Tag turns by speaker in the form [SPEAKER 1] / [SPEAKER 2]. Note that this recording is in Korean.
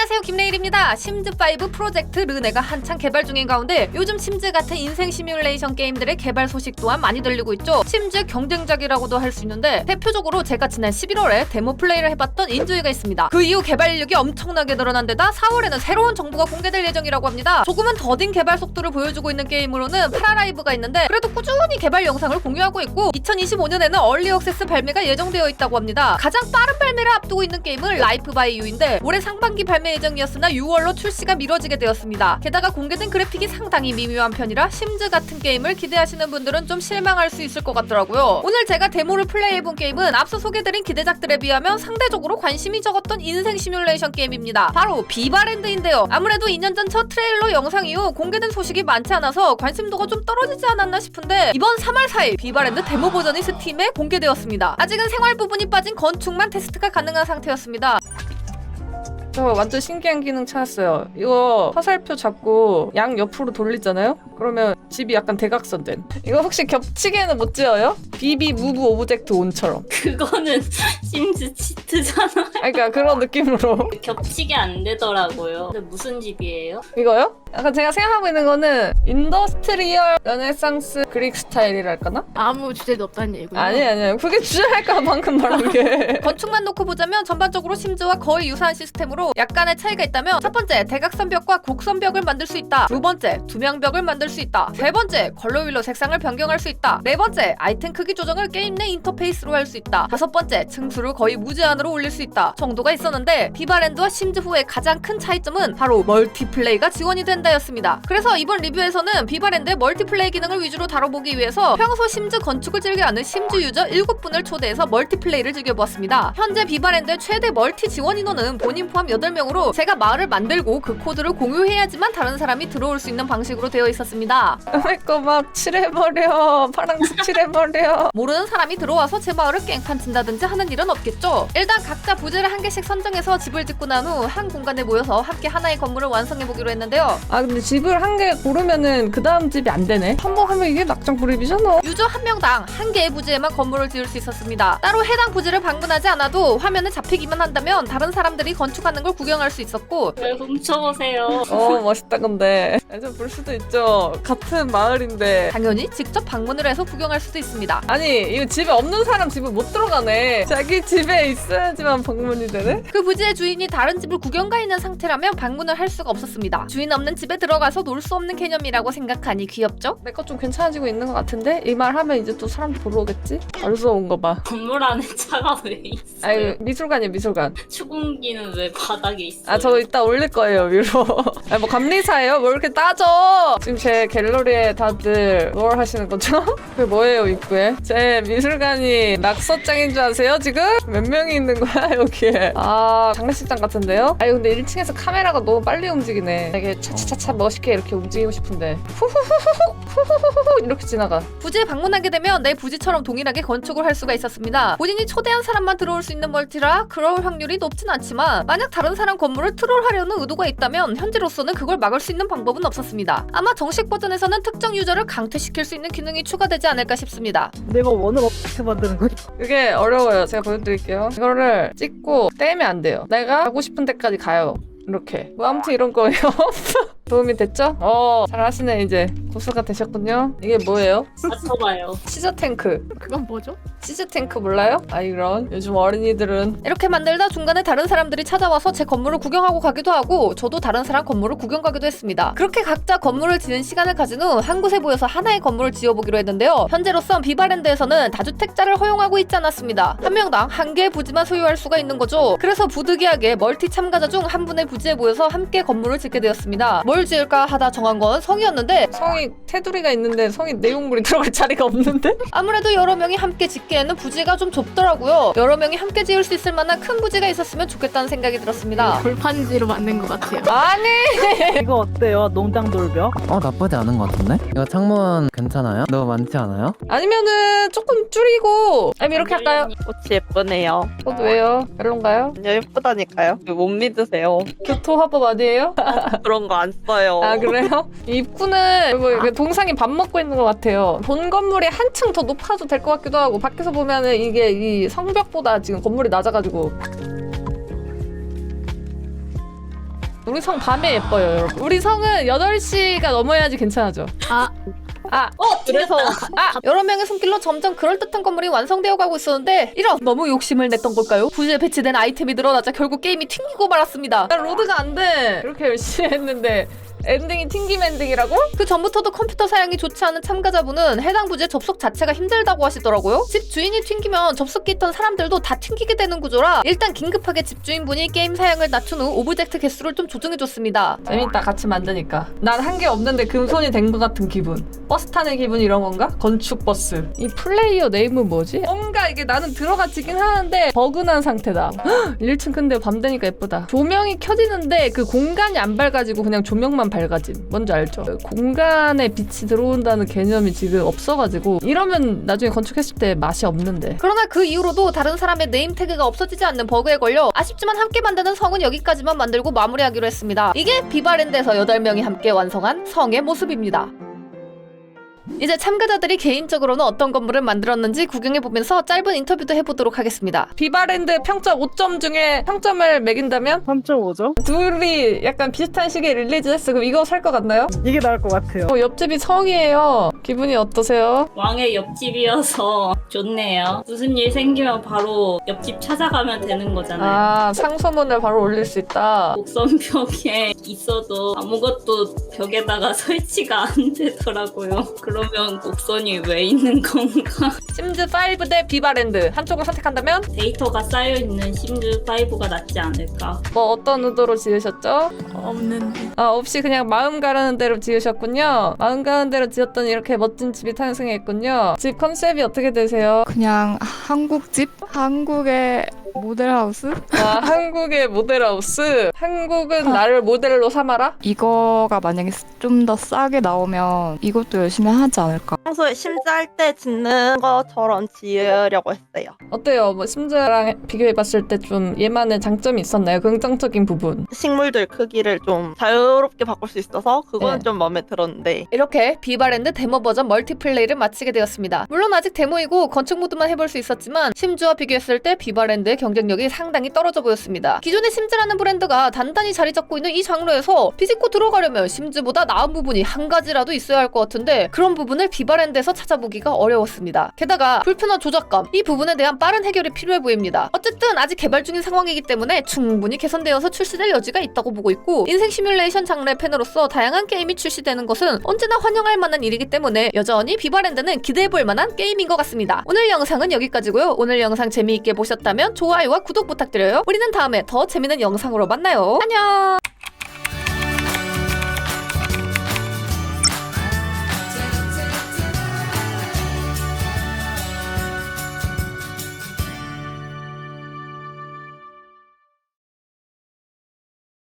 [SPEAKER 1] 안녕하세요, 김레일입니다. 심즈5 프로젝트 르네가 한창 개발 중인 가운데 요즘 심즈 같은 인생 시뮬레이션 게임들의 개발 소식 또한 많이 들리고 있죠. 심즈의 경쟁작이라고도 할 수 있는데 대표적으로 제가 지난 11월에 데모 플레이를 해봤던 인조이가 있습니다. 그 이후 개발 인력이 엄청나게 늘어난 데다 4월에는 새로운 정보가 공개될 예정이라고 합니다. 조금은 더딘 개발 속도를 보여주고 있는 게임으로는 파라라이브가 있는데 그래도 꾸준히 개발 영상을 공유하고 있고 2025년에는 얼리 액세스 발매가 예정되어 있다고 합니다. 가장 빠른 발매를 앞두고 있는 게임은 라이프 바이 유인데 올해 상반기 발매 예정이었으나 6월로 출시가 미뤄지게 되었습니다. 게다가 공개된 그래픽이 상당히 미묘한 편이라 심즈 같은 게임을 기대하시는 분들은 좀 실망할 수 있을 것 같더라고요. 오늘 제가 데모를 플레이해본 게임은 앞서 소개드린 기대작들에 비하면 상대적으로 관심이 적었던 인생 시뮬레이션 게임입니다. 바로 비바랜드인데요. 아무래도 2년 전 첫 트레일러 영상 이후 공개된 소식이 많지 않아서 관심도가 좀 떨어지지 않았나 싶은데 이번 3월 4일 비바랜드 데모 버전이 스팀에 공개되었습니다. 아직은 생활 부분이 빠진 건축만 테스트가 가능한 상태였습니다. 저 완전 신기한 기능 찾았어요. 이거 화살표 잡고 양 옆으로 돌리잖아요? 그러면 집이 약간 대각선된. 이거 혹시 겹치게는 못 지어요? 비비 무브 오브젝트 온처럼.
[SPEAKER 2] 그거는 심즈 치트잖아.
[SPEAKER 1] 그러니까 그런 느낌으로.
[SPEAKER 2] 겹치게 안 되더라고요. 근데 무슨 집이에요?
[SPEAKER 1] 이거요? 약간 제가 생각하고 있는 거는 인더스트리얼 르네상스 그릭 스타일이랄까나?
[SPEAKER 3] 아무 주제도 없다는 얘기군요.
[SPEAKER 1] 아니에요. 그게 주제랄까 방금 말한 게. 건축만 놓고 보자면 전반적으로 심즈와 거의 유사한 시스템으로 약간의 차이가 있다면 첫 번째, 대각선벽과 곡선벽을 만들 수 있다. 두 번째, 투명벽을 만들 수 있다. 세 번째, 컬러 휠로 색상을 변경할 수 있다. 네 번째, 아이템 크기 조정을 게임 내 인터페이스로 할 수 있다. 다섯 번째, 층수를 거의 무제한으로 올릴 수 있다. 정도가 있었는데 비바랜드와 심즈 후의 가장 큰 차이점은 바로 멀티플레이가 지원이 된다였습니다. 그래서 이번 리뷰에서는 비바랜드의 멀티플레이 기능을 위주로 다뤄보기 위해서 평소 심즈 건축을 즐겨하는 심즈 유저 7분을 초대해서 멀티플레이를 즐겨보았습니다. 현재 비바랜드의 최대 멀티 지원 인원은 본인 포함 8명으로 제가 마을을 만들고 그 코드를 공유해야지만 다른 사람이 들어올 수 있는 방식으로 되어 있었습니다. 그거 막 칠해버려. 파랑색 칠해버려. 모르는 사람이 들어와서 제 마을을 깽판 친다든지 하는 일은 없겠죠. 일단 각자 부지를 한 개씩 선정해서 집을 짓고 난 후 한 공간에 모여서 함께 하나의 건물을 완성해보기로 했는데요. 아 근데 집을 한 개 고르면은 그 다음 집이 안 되네. 한 번 하면 이게 낙장불입이잖아. 유저 한 명당 한 개의 부지에만 건물을 지을 수 있었습니다. 따로 해당 부지를 방문하지 않아도 화면에 잡히기만 한다면 다른 사람들이 건축하는 걸 구경할 수 있었고.
[SPEAKER 2] 왜 훔쳐보세요.
[SPEAKER 1] 멋있다. 근데 좀 볼 수도 있죠. 같은 마을인데 당연히 직접 방문을 해서 구경할 수도 있습니다. 아니 이거 집에 없는 사람 집에 못 들어가네. 자기 집에 있어야지만 방문이 되네. 그 부지의 주인이 다른 집을 구경 가 있는 상태라면 방문을 할 수가 없었습니다. 주인 없는 집에 들어가서 놀 수 없는 개념이라고 생각하니 귀엽죠? 내 것 좀 괜찮아지고 있는 것 같은데? 이 말 하면 이제 또 사람들 보러 오겠지? 벌써 온 거 봐.
[SPEAKER 2] 건물 안에 차가 왜 있어요?
[SPEAKER 1] 아유 미술관이야 미술관.
[SPEAKER 2] 추궁기는 왜 바닥에 있어요?
[SPEAKER 1] 아 저 이따 올릴 거예요 위로. 아 뭐 감리사예요? 뭘 이렇게 따져? 지금 제 갤러리에 다들 뭘 하시는 거죠? 그게 뭐예요 입구에? 제 미술관이 낙서장인 줄 아세요 지금? 몇 명이 있는 거야 여기에? 아 장례식장 같은데요? 아유 근데 1층에서 카메라가 너무 빨리 움직이네. 되게 차차차차 멋있게 이렇게 움직이고 싶은데 후후후후후후후후 이렇게 지나가. 부지에 방문하게 되면 내 부지처럼 동일하게 건축을 할 수가 있었습니다. 본인이 초대한 사람만 들어올 수 있는 멀티라 그럴 확률이 높진 않지만 만약 다른 사람 건물을 트롤하려는 의도가 있다면 현재로서는 그걸 막을 수 있는 방법은 없었습니다. 아마 정식 버전에서는 특정 유저를 강퇴시킬 수 있는 기능이 추가되지 않을까 싶습니다.
[SPEAKER 4] 내가 원을 어떻게 만드는 거야?
[SPEAKER 1] 그게 어려워요. 제가 보여드릴게요. 이거를 찍고 떼면 안 돼요. 내가 가고 싶은 데까지 가요. 이렇게. 뭐 아무튼 이런 거예요. 도움이 됐죠? 잘하시네 이제. 고수가 되셨군요. 이게 뭐예요?
[SPEAKER 2] 맞춰봐요.
[SPEAKER 1] 시저 탱크.
[SPEAKER 3] 그건 뭐죠?
[SPEAKER 1] 시즈 탱크 몰라요? 아 이런 요즘 어린이들은 이렇게 만들다 중간에 다른 사람들이 찾아와서 제 건물을 구경하고 가기도 하고 저도 다른 사람 건물을 구경 가기도 했습니다. 그렇게 각자 건물을 지는 시간을 가진 후 한 곳에 모여서 하나의 건물을 지어보기로 했는데요. 현재로선 비바랜드에서는 다주택자를 허용하고 있지 않았습니다. 한 명당 한 개의 부지만 소유할 수가 있는 거죠. 그래서 부득이하게 멀티 참가자 중 한 분의 부지에 모여서 함께 건물을 짓게 되었습니다. 뭘 지을까 하다 정한 건 성이었는데 성이 테두리가 있는데 성이 내용물이 들어갈 자리가 없는데? 아무래도 여러 명이 함께 짓기에는 부지가 좀 좁더라고요. 여러 명이 함께 지을 수 있을 만한 큰 부지가 있었으면 좋겠다는 생각이 들었습니다.
[SPEAKER 3] 골판지로 만든 것 같아요.
[SPEAKER 1] 아니!
[SPEAKER 4] 이거 어때요? 농장 돌벽?
[SPEAKER 5] 나쁘지 않은 것 같은데? 이거 창문 괜찮아요? 너무 많지 않아요?
[SPEAKER 1] 아니면은 조금 줄이고 아니면 이렇게 할까요?
[SPEAKER 6] 꽃이 예쁘네요.
[SPEAKER 1] 저도 왜요? 별론가요?
[SPEAKER 6] 아니요, 예쁘다니까요. 못 믿으세요.
[SPEAKER 1] 교토화법 아니에요?
[SPEAKER 6] 그런 거 안 써요.
[SPEAKER 1] 아 그래요? 이 입구는 뭐 이렇게 동상이 밥 먹고 있는 것 같아요. 본 건물이 한층 더 높아도 될 것 같기도 하고 밖에서 보면은 이게 이 성벽보다 지금 건물이 낮아가지고 우리 성 밤에 예뻐요, 여러분. 우리 성은 8시가 넘어야지 괜찮아죠.
[SPEAKER 6] 그래서
[SPEAKER 1] 여러 명의 손길로 점점 그럴듯한 건물이 완성되어 가고 있었는데 이런 너무 욕심을 냈던 걸까요? 부지에 배치된 아이템이 늘어나자 결국 게임이 튕기고 말았습니다. 로드가 안 돼. 이렇게 열심히 했는데 엔딩이 튕김 엔딩이라고? 그 전부터도 컴퓨터 사양이 좋지 않은 참가자분은 해당 부지의 접속 자체가 힘들다고 하시더라고요. 집 주인이 튕기면 접속기 있던 사람들도 다 튕기게 되는 구조라 일단 긴급하게 집주인분이 게임 사양을 낮춘 후 오브젝트 개수를 좀 조정해줬습니다. 재밌다, 같이 만드니까. 난 한 게 없는데 금손이 된 것 같은 기분. 버스 타는 기분 이런 건가? 건축 버스. 이 플레이어 네임은 뭐지? 뭔가 이게 나는 들어가지긴 하는데 버그난 상태다. 1층 근데 밤 되니까 예쁘다. 조명이 켜지는데 그 공간이 안 밝아지고 그냥 조명만 밝아짐. 뭔지 알죠? 공간에 빛이 들어온다는 개념이 지금 없어가지고 이러면 나중에 건축했을 때 맛이 없는데. 그러나 그 이후로도 다른 사람의 네임 태그가 없어지지 않는 버그에 걸려 아쉽지만 함께 만드는 성은 여기까지만 만들고 마무리하기로 했습니다. 이게 비바랜드에서 8명이 함께 완성한 성의 모습입니다. 이제 참가자들이 개인적으로는 어떤 건물을 만들었는지 구경해보면서 짧은 인터뷰도 해보도록 하겠습니다. 비바랜드 평점 5점 중에 평점을 매긴다면?
[SPEAKER 4] 3.5죠?
[SPEAKER 1] 둘이 약간 비슷한 시기에 릴리즈했어. 그럼 이거 살 것 같나요?
[SPEAKER 4] 이게 나을 것 같아요.
[SPEAKER 1] 옆집이 성이에요. 기분이 어떠세요?
[SPEAKER 2] 왕의 옆집이어서 좋네요. 무슨 일 생기면 바로 옆집 찾아가면 되는 거잖아요.
[SPEAKER 1] 아, 상소문을 바로 올릴 수 있다.
[SPEAKER 2] 곡선벽에 있어도 아무것도 벽에다가 설치가 안 되더라고요. 그러면 곡선이 왜 있는 건가?
[SPEAKER 1] 심즈5 대 비바랜드 한쪽을 선택한다면?
[SPEAKER 2] 데이터가 쌓여있는 심즈5가 낫지 않을까?
[SPEAKER 1] 뭐 어떤 의도로 지으셨죠?
[SPEAKER 3] 없는데.
[SPEAKER 1] 아, 없이 그냥 마음 가라는 대로 지으셨군요. 마음 가는 대로 지었더니 이렇게 멋진 집이 탄생했군요. 집 컨셉이 어떻게 되세요?
[SPEAKER 7] 그냥 한국집? 한국의 모델하우스?
[SPEAKER 1] 아, 한국의 모델하우스. 한국은 나를 모델로 삼아라?
[SPEAKER 7] 이거가 만약에 좀 더 싸게 나오면 이것도 열심히 하지 않을까?
[SPEAKER 6] 평소에 심지할 때 짓는 것처럼 지으려고 했어요.
[SPEAKER 1] 어때요? 뭐 심즈랑 비교해봤을 때 좀 얘만의 장점이 있었나요? 긍정적인 부분.
[SPEAKER 6] 식물들 크기를 좀 자유롭게 바꿀 수 있어서 그거는
[SPEAKER 1] 네.
[SPEAKER 6] 좀 마음에 들었는데
[SPEAKER 1] 이렇게 비바랜드 데모 버전 멀티플레이를 마치게 되었습니다. 물론 아직 데모이고 건축 모드만 해볼 수 있었지만 심즈와 비교했을 때 비바랜드의 경쟁력이 상당히 떨어져 보였습니다. 기존의 심즈라는 브랜드가 단단히 자리 잡고 있는 이 장르에서 비집고 들어가려면 심즈보다 나은 부분이 한 가지라도 있어야 할 것 같은데 그런 부분을 비바랜드에서 찾아보기가 어려웠습니다. 게다가 불편한 조작감, 이 부분에 대한 빠른 해결이 필요해 보입니다. 어쨌든 아직 개발 중인 상황이기 때문에 충분히 개선되어서 출시될 여지가 있다고 보고 있고 인생 시뮬레이션 장르의 팬으로서 다양한 게임이 출시되는 것은 언제나 환영할 만한 일이기 때문에 여전히 비바랜드는 기대해볼 만한 게임인 것 같습니다. 오늘 영상은 여기까지고요. 오늘 영상 재미있게 보셨다면 좋아요와 구독 부탁드려요. 우리는 다음에 더 재밌는 영상으로 만나요. 안녕!